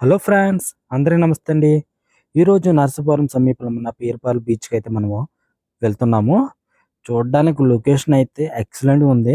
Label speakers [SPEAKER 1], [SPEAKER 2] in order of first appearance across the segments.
[SPEAKER 1] Hello friends, అందరికీ నమస్తే అండి. ఈరోజు నర్సాపురం సమీపంలో ఉన్న పేరుపాలెం బీచ్కి అయితే మనము వెళ్తున్నాము. చూడడానికి లొకేషన్ అయితే ఎక్సలెంట్గా ఉంది.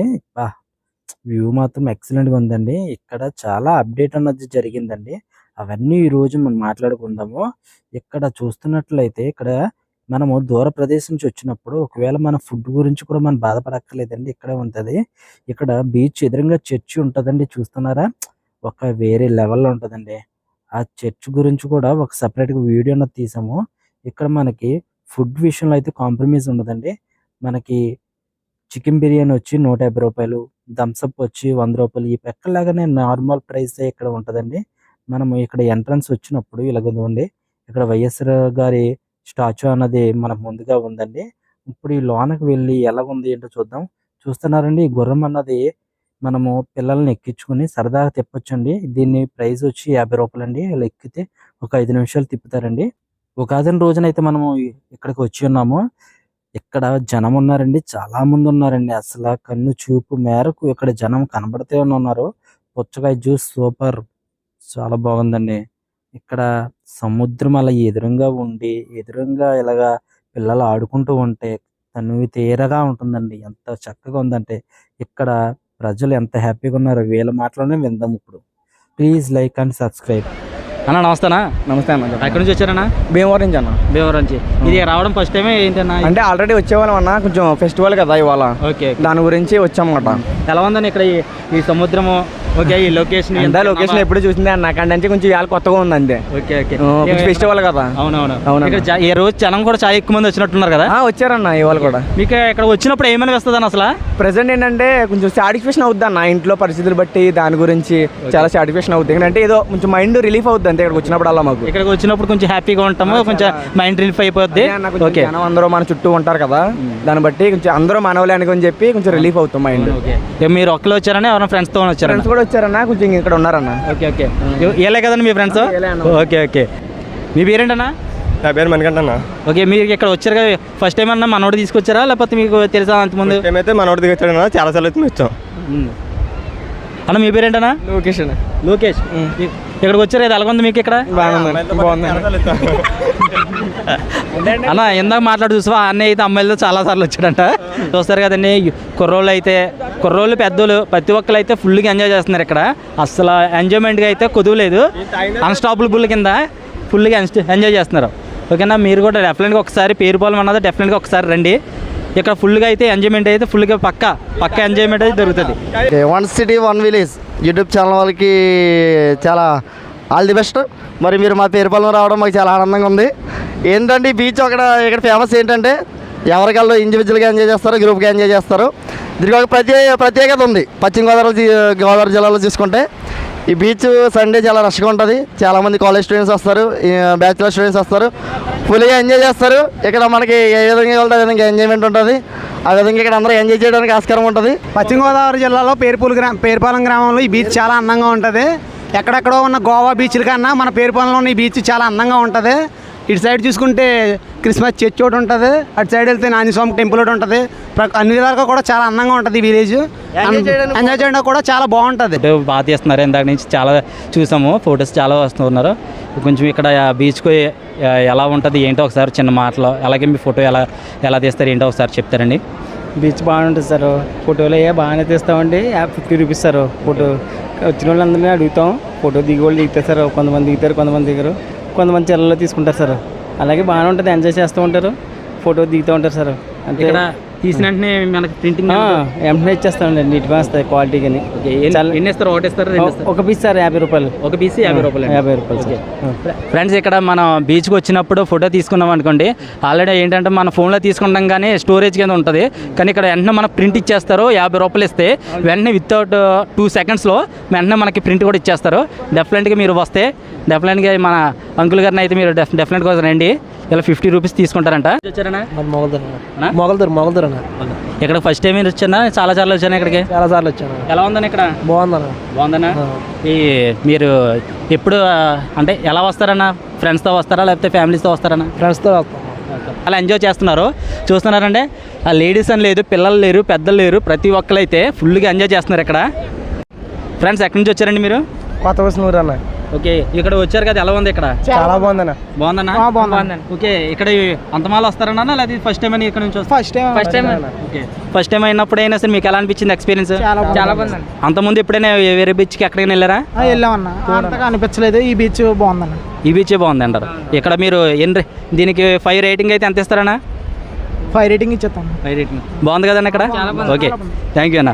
[SPEAKER 1] వ్యూ మాత్రం ఎక్సలెంట్గా ఉందండి. ఇక్కడ చాలా అప్డేట్ అన్నది జరిగిందండి. అవన్నీ ఈరోజు మనం మాట్లాడుకుందాము. ఇక్కడ చూస్తున్నట్లయితే ఇక్కడ మనము దూర ప్రదేశం నుంచి వచ్చినప్పుడు ఒకవేళ మన ఫుడ్ గురించి కూడా మనం బాధపడక్కర్లేదండి. ఇక్కడే ఉంటుంది. ఇక్కడ బీచ్ ఎదురుగా చర్చి ఉంటుందండి. చూస్తున్నారా? ఒక వేరే లెవెల్లో ఉంటుందండి. ఆ చర్చ్ గురించి కూడా ఒక సెపరేట్‌గా వీడియో అన్నది తీసాము. ఇక్కడ మనకి ఫుడ్ విషయంలో అయితే కాంప్రమైజ్ ఉండదండి. మనకి చికెన్ బిర్యానీ వచ్చి రూ. 150, థమ్స్ అప్ వచ్చి రూ. 100. ఈ ఎక్కడలాగానే నార్మల్ ప్రైసే ఇక్కడ ఉంటదండి. మనము ఇక్కడ ఎంట్రన్స్ వచ్చినప్పుడు ఇలాగుందండి. ఇక్కడ వైఎస్ఆర్ గారి స్టాచ్యూ అన్నది మనకు ముందుగా ఉందండి. ఇప్పుడు ఈ లోనకి వెళ్ళి ఎలాగుంది ఏంటో చూద్దాం. చూస్తున్నారండి, ఈ గుర్రం అన్నది మనము పిల్లల్ని ఎక్కించుకొని సరదాగా తిప్పొచ్చండి. దీని ప్రైస్ వచ్చి రూ. 50 అండి. ఇలా ఎక్కితే ఒక 5 నిమిషాలు తిప్పుతారండి. ఉగాది రోజునైతే మనము ఇక్కడికి వచ్చి ఉన్నాము. ఇక్కడ జనం ఉన్నారండి, చాలా మంది ఉన్నారండి. అసలు కన్ను చూపు మేరకు ఇక్కడ జనం కనబడితే ఉన్నారు. పుచ్చకాయ జ్యూస్ సూపర్, చాలా బాగుందండి. ఇక్కడ సముద్రం అలా ఎదురుగా ఉండి ఎదురుగా ఇలాగా పిల్లలు ఆడుకుంటూ ఉంటే తనివి తీరగా ఉంటుందండి. ఎంత చక్కగా ఉందంటే ఇక్కడ ప్రజలు ఎంత హ్యాపీగా ఉన్నారో వీళ్ళ మాటలోనే విందాం ఇప్పుడు. Please like and subscribe.
[SPEAKER 2] అన్న నమస్తేనా.
[SPEAKER 3] నమస్తే అన్న.
[SPEAKER 2] ఎక్కడి నుంచి వచ్చారన్నా?
[SPEAKER 3] భీమవరం నుంచి అన్న.
[SPEAKER 2] భీమవరం నుంచి. ఇది రావడం ఫస్ట్ టైమే ఏంటన్నా?
[SPEAKER 3] అంటే ఆల్రెడీ వచ్చేవాళ్ళం అన్న, కొంచెం ఫెస్టివల్ కదా ఇవాళ.
[SPEAKER 2] ఓకే,
[SPEAKER 3] దాని గురించి వచ్చామన్నమాట.
[SPEAKER 2] ఎలా ఉందని ఇక్కడ ఈ సముద్రము? ఓకే, ఈ లొకేషన్
[SPEAKER 3] లొకేషన్ ఎప్పుడు చూసిందే అన్న, అక్కడ నుంచి కొంచెం ఇవాళ కొత్తగా ఉంది అంతే.
[SPEAKER 2] ఓకే ఓకే,
[SPEAKER 3] ఫెస్టివల్ కదా.
[SPEAKER 2] అవునవును. ఇక్కడ ఈ రోజు జనం కూడా చాలా ఎక్కువ మంది వచ్చినట్టున్నారు కదా?
[SPEAKER 3] వచ్చారన్న ఇవాళ కూడా.
[SPEAKER 2] మీకు ఇక్కడ వచ్చినప్పుడు ఏమని వస్తుంది అన్న? అసలు
[SPEAKER 3] ప్రెసెంట్ ఏంటంటే కొంచెం సాటిస్ఫాక్షన్ అవుద్ది అన్న, ఇంట్లో పరిస్థితులు బట్టి దాని గురించి చాలా సాటిస్ఫాక్షన్ అవుద్ది. ఎందుకంటే ఏదో కొంచెం మైండ్ రిలీఫ్ అవుద్ది అంతే ఇక్కడికి వచ్చినప్పుడు. అలా మాకు
[SPEAKER 2] ఇక్కడికి వచ్చినప్పుడు కొంచెం హ్యాపీగా ఉంటాము, కొంచెం మైండ్ రిలీఫ్ అయిపోద్ది.
[SPEAKER 3] ఓకే, అందరూ మన చుట్టూ ఉంటారు కదా, దాన్ని బట్టి కొంచెం అందరూ మనవలే అని చెప్పి కొంచెం రిలీఫ్ అవుతాం మైండ్.
[SPEAKER 2] మీరు ఒక్కరు వచ్చారని ఎవరైనా ఫ్రెండ్స్ తో వచ్చారు?
[SPEAKER 3] ఫ్రెండ్స్ కూడా వచ్చారన్న, కొంచెం ఇక్కడ ఉన్నారన్న.
[SPEAKER 2] ఓకే ఓకే, ఏలే కదండి మీ ఫ్రెండ్స్? Okay okay. మీ పేరేంటన్నా?
[SPEAKER 4] నా పేరు మణికంఠ అన్న.
[SPEAKER 2] ఓకే, మీరు ఇక్కడ వచ్చారు కదా, ఫస్ట్ టైం అన్నా మనోడు తీసుకొచ్చారా లేకపోతే మీకు తెలుసా అంతకుముందు?
[SPEAKER 4] మేమైతే మనోడి దగ్గర వచ్చాడన్నా, చాలా సార్లు అయితే వచ్చాం
[SPEAKER 2] అన్న. మీ పేరేంటన్నా?
[SPEAKER 3] లోకేష్ అన్న.
[SPEAKER 2] లోకేష్. ఇక్కడికి వచ్చారు కదా, ఎలాగొంది మీకు ఇక్కడ?
[SPEAKER 3] బాగుంది
[SPEAKER 2] అన్న. ఇందాక మాట్లాడు చూసా, అన్నయ్య అయితే అమ్మాయిలతో చాలా సార్లు వచ్చాడంట. చూస్తారు కదండి, కుర్రోళ్ళు అయితే కుర్రోళ్ళు పెద్దోళ్ళు ప్రతి ఒక్కరు అయితే ఫుల్గా ఎంజాయ్ చేస్తున్నారు ఇక్కడ. అసలు ఎంజాయ్మెంట్గా అయితే కుదవలేదు. అన్స్టాపుల్ కింద ఫుల్గా ఎంజాయ్ చేస్తున్నారు. ఓకేనా, మీరు కూడా డెఫినెట్గా ఒకసారి పేరుపాలెం అన్నది డెఫినెట్గా ఒకసారి రండి. ఇక్కడ ఫుల్గా అయితే ఎంజాయ్మెంట్ అయితే ఫుల్గా పక్క ఎంజాయ్మెంట్ అయితే దొరుకుతుంది.
[SPEAKER 5] One city one village YouTube channel వాళ్ళకి చాలా ఆల్ ది బెస్ట్. మరి మీరు మా పేరుపాలెం రావడం మాకు చాలా ఆనందంగా ఉంది. ఏంటంటే ఈ బీచ్ ఇక్కడ ఫేమస్ ఏంటంటే ఎవరికల్లో ఇండివిజువల్గా ఎంజాయ్ చేస్తారు, గ్రూప్గా ఎంజాయ్ చేస్తారు. దీనికి ఒక ప్రత్యేకత ఉంది. పశ్చిమ గోదావరి జిల్లాలో చూసుకుంటే ఈ బీచ్ సండే చాలా రష్గా ఉంటుంది. చాలామంది కాలేజ్ స్టూడెంట్స్ వస్తారు, బ్యాచిలర్ స్టూడెంట్స్ వస్తారు, ఫుల్గా ఎంజాయ్ చేస్తారు. ఇక్కడ మనకి ఏ విధంగా వెళ్తే ఆ విధంగా ఎంజాయ్మెంట్ ఉంటుంది. ఆ విధంగా ఇక్కడ అందరూ ఎంజాయ్ చేయడానికి ఆస్కారం ఉంటుంది.
[SPEAKER 6] పశ్చిమ గోదావరి జిల్లాలో పేరుపాలెం గ్రామంలో ఈ బీచ్ చాలా అందంగా ఉంటుంది. ఎక్కడెక్కడో ఉన్న గోవా బీచ్ల కన్నా మన పేరుపాలెంలో ఉన్న ఈ బీచ్ చాలా అందంగా ఉంటుంది. ఇటు సైడ్ చూసుకుంటే క్రిస్మస్ చర్చ్ ఒకటి ఉంటుంది, అటు సైడ్ వెళ్తే ఆంజనేయస్వామి టెంపుల్ ఒకటి ఉంటుంది. అన్ని విధాలుగా కూడా చాలా అందంగా ఉంటుంది ఈ విలేజ్. ఎంజాయ్ చేయడం కూడా చాలా బాగుంటుంది.
[SPEAKER 2] బాగా తీస్తున్నారు, ఇందాక నుంచి చాలా చూసాము, ఫొటోస్ చాలా వస్తున్నారు. కొంచెం ఇక్కడ బీచ్కు ఎలా ఉంటుంది ఏంటో ఒకసారి చిన్న మాటలో, అలాగే మీ ఫోటో ఎలా తీస్తారు ఏంటో ఒకసారి చెప్తారండి.
[SPEAKER 3] బీచ్ బాగుంటుంది సార్, ఫోటోలు బాగానే తీస్తామండి. 50 రూపీస్ సార్ ఫోటో. వచ్చిన వాళ్ళందరినీ అడుగుతాం, ఫోటో దిగి వాళ్ళు దిగుతారు సార్. కొంతమంది దిగుతారు, కొంతమంది దిగరు, కొంతమంది చెల్లెల్లో తీసుకుంటారు సార్. అలాగే బాగానే ఉంటుంది, ఎంజాయ్ చేస్తూ ఉంటారు, ఫోటో దిగుతూ ఉంటారు సార్. అంతే.
[SPEAKER 2] ఇక్కడ తీసిన వెంటనే మనకి ప్రింటింగ్
[SPEAKER 3] వెంటనే ఇచ్చేస్తామండి, నీట్గా వస్తాయి క్వాలిటీ. కానీ
[SPEAKER 2] ఎన్ని ఇస్తారు? ఒకటి ఇస్తారు,
[SPEAKER 3] ఒక పీస్ సార్ 50 రూపాయలు.
[SPEAKER 2] ఒక పీస్ 50 రూపాయలు.
[SPEAKER 3] 50 రూపాయలు.
[SPEAKER 2] ఫ్రెండ్స్, ఇక్కడ మనం బీచ్కి వచ్చినప్పుడు ఫోటో తీసుకున్నాం అనుకోండి, ఆల్రెడీ ఏంటంటే మన ఫోన్లో తీసుకుంటాం కానీ స్టోరేజ్ కింద ఉంటుంది. కానీ ఇక్కడ వెంటనే మనకు ప్రింట్ ఇచ్చేస్తారు. 50 రూపాయలు ఇస్తే వెంటనే వితౌట్ 2 సెకండ్స్లో వెంటనే మనకి ప్రింట్ కూడా ఇచ్చేస్తారు. డెఫినెట్గా మీరు వస్తే డెఫినెట్గా మన అంకుల్ గారిని అయితే మీరు డెఫినెట్గా రండి. ఇలా 50 రూపీస్ తీసుకుంటారంట. వచ్చారనా?
[SPEAKER 3] మొగల్దూర్ అన్న.
[SPEAKER 2] ఇక్కడ ఫస్ట్ టైం మీరు వచ్చానా? చాలా సార్లు వచ్చాను ఇక్కడికి.
[SPEAKER 3] చాలా సార్లు వచ్చాను.
[SPEAKER 2] ఎలా ఉందని ఇక్కడ? బాగుందన్నా. ఈ మీరు ఎప్పుడు అంటే ఎలా వస్తారన్నా? ఫ్రెండ్స్తో వస్తారా లేకపోతే ఫ్యామిలీస్తో వస్తారన్నా?
[SPEAKER 3] ఫ్రెండ్స్తో వస్తాం.
[SPEAKER 2] అలా ఎంజాయ్ చేస్తున్నారు. చూస్తున్నారంటే ఆ లేడీస్ అని లేదు, పిల్లలు లేరు, పెద్దలు లేరు, ప్రతి ఒక్కరు అయితే ఫుల్గా ఎంజాయ్ చేస్తున్నారు ఇక్కడ. ఫ్రెండ్స్, ఎక్కడి నుంచి వచ్చారండి మీరు?
[SPEAKER 3] కొత్త వస్తున్నారు అన్న.
[SPEAKER 2] ఓకే, ఇక్కడ వచ్చారు కదా, ఎలా ఉంది ఇక్కడ?
[SPEAKER 6] చాలా బాగుందన్న.
[SPEAKER 2] బాగుందన్నా?
[SPEAKER 6] బాగుంది.
[SPEAKER 2] ఓకే, ఇక్కడ అంతమాల వస్తారన్నా లేదా ఫస్ట్ టైం ఇక్కడ నుంచి
[SPEAKER 6] first time
[SPEAKER 2] okay, first time అయినప్పుడు అయినా సరే మీకు ఎలా అనిపించింది ఎక్స్పీరియన్స్?
[SPEAKER 6] చాలా బాగుంది.
[SPEAKER 2] అంతకుముందు ఎప్పుడైనా వేరే బీచ్కి ఎక్కడికైనా వెళ్ళారా?
[SPEAKER 6] వెళ్ళామన్న, అంతగా అనిపించలేదు. ఈ బీచ్ బాగుందన్న.
[SPEAKER 2] ఈ బీచే బాగుంది అంటారు. ఇక్కడ మీరు దీనికి 5 రేటింగ్ అయితే ఎంత ఇస్తారన్నా?
[SPEAKER 6] 5 రేటింగ్ ఇచ్చేస్తాను.
[SPEAKER 2] 5 రేటింగ్ బాగుంది కదన్నా ఇక్కడ? ఓకే, థ్యాంక్ యూ అన్న.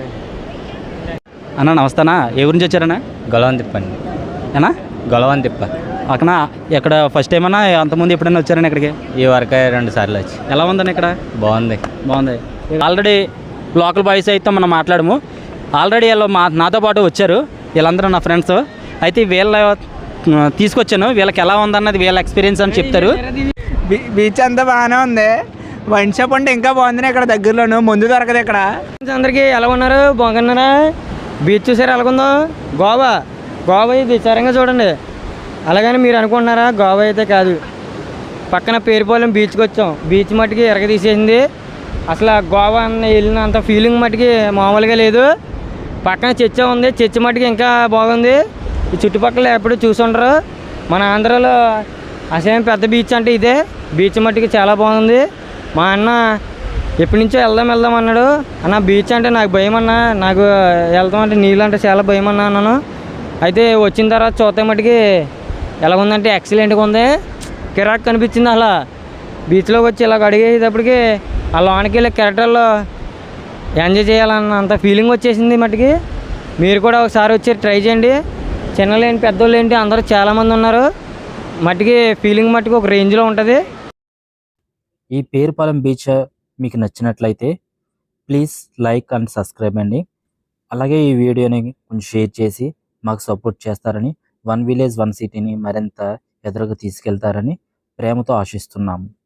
[SPEAKER 2] అన్న నమస్తేనా, ఏ ఊరి నుంచి వచ్చారన్నా?
[SPEAKER 7] గొలవం తిప్పండి.
[SPEAKER 2] అన్నా
[SPEAKER 7] గొలవం తిప్ప.
[SPEAKER 2] అక్కడ ఇక్కడ ఫస్ట్ టైం అన్నా అంతకుముందు ఎప్పుడైనా వచ్చారన్నా ఇక్కడికి?
[SPEAKER 7] ఈ వరకే 2 సార్లు వచ్చి.
[SPEAKER 2] ఎలా ఉందన్న ఇక్కడ?
[SPEAKER 7] బాగుంది.
[SPEAKER 2] బాగుంది. ఆల్రెడీ లోకల్ బాయ్స్ అయితే మనం మాట్లాడము. ఆల్రెడీ వీళ్ళు నాతో పాటు వచ్చారు, వీళ్ళందరూ నా ఫ్రెండ్స్. అయితే వీళ్ళ తీసుకొచ్చాను, వీళ్ళకి ఎలా ఉందన్నది వీళ్ళ ఎక్స్పీరియన్స్ అని చెప్తారు.
[SPEAKER 6] బీచ్ అంతా బాగానే ఉంది. వైన్ షాప్ అంటే ఇంకా బాగుంది ఇక్కడ దగ్గరలోను. ముందు దొరకదు ఇక్కడ.
[SPEAKER 3] అందరికీ ఎలా ఉన్నారు? బాగున్నారా? బీచ్ చూసారు ఎలాగుందో? గోవా ఇది సరంగా చూడండి. అలాగని మీరు అనుకుంటున్నారా? గోవా అయితే కాదు, పక్కన పేరుపాలెం బీచ్కి వచ్చాం. బీచ్ మట్టుకి ఎరగదీసేసింది. అసలు గోవా అన్న వెళ్ళినంత ఫీలింగ్ మట్టుకి మామూలుగా లేదు. పక్కన చర్చ ఉంది, చర్చ మట్టుకి ఇంకా బాగుంది. ఈ చుట్టుపక్కల ఎప్పుడు చూసుండరు. మన ఆంధ్రాలో అసలు పెద్ద బీచ్ అంటే ఇదే. బీచ్ మట్టుకి చాలా బాగుంది. మా అన్న ఎప్పటి నుంచో వెళ్దాం అన్నాడు. అన్న బీచ్ అంటే నాకు భయం అన్న, నాకు వెళ్తాం అంటే నీళ్ళు అంటే చాలా భయం అన్నా అన్నాను. అయితే వచ్చిన తర్వాత చూస్తే మట్టుకి ఎలా ఉందంటే ఎక్సలెంట్గా ఉంది. కిరాక్ కనిపించింది. అలా బీచ్లోకి వచ్చి ఇలా అడిగేటప్పటికి ఆ లోనికి వెళ్ళే కెరటల్లో ఎంజాయ్ చేయాలన్న అంత ఫీలింగ్ వచ్చేసింది మట్టుకి. మీరు కూడా ఒకసారి వచ్చి ట్రై చేయండి. చిన్నలు ఏంటి పెద్దోళ్ళు ఏంటి అందరూ చాలామంది ఉన్నారు. మట్టుకి ఫీలింగ్ మట్టుకు ఒక రేంజ్లో ఉంటుంది.
[SPEAKER 1] ఈ పేరుపాలెం బీచ్ మీకు నచ్చినట్లయితే ప్లీజ్ లైక్ అండ్ సబ్స్క్రైబ్ అండి. అలాగే ఈ వీడియోని కొంచెం షేర్ చేసి మాకు సపోర్ట్ చేస్తారని, వన్ విలేజ్ వన్ సిటీని మరింత ఎదురుగా తీసుకెళ్తారని ప్రేమతో ఆశిస్తున్నాము.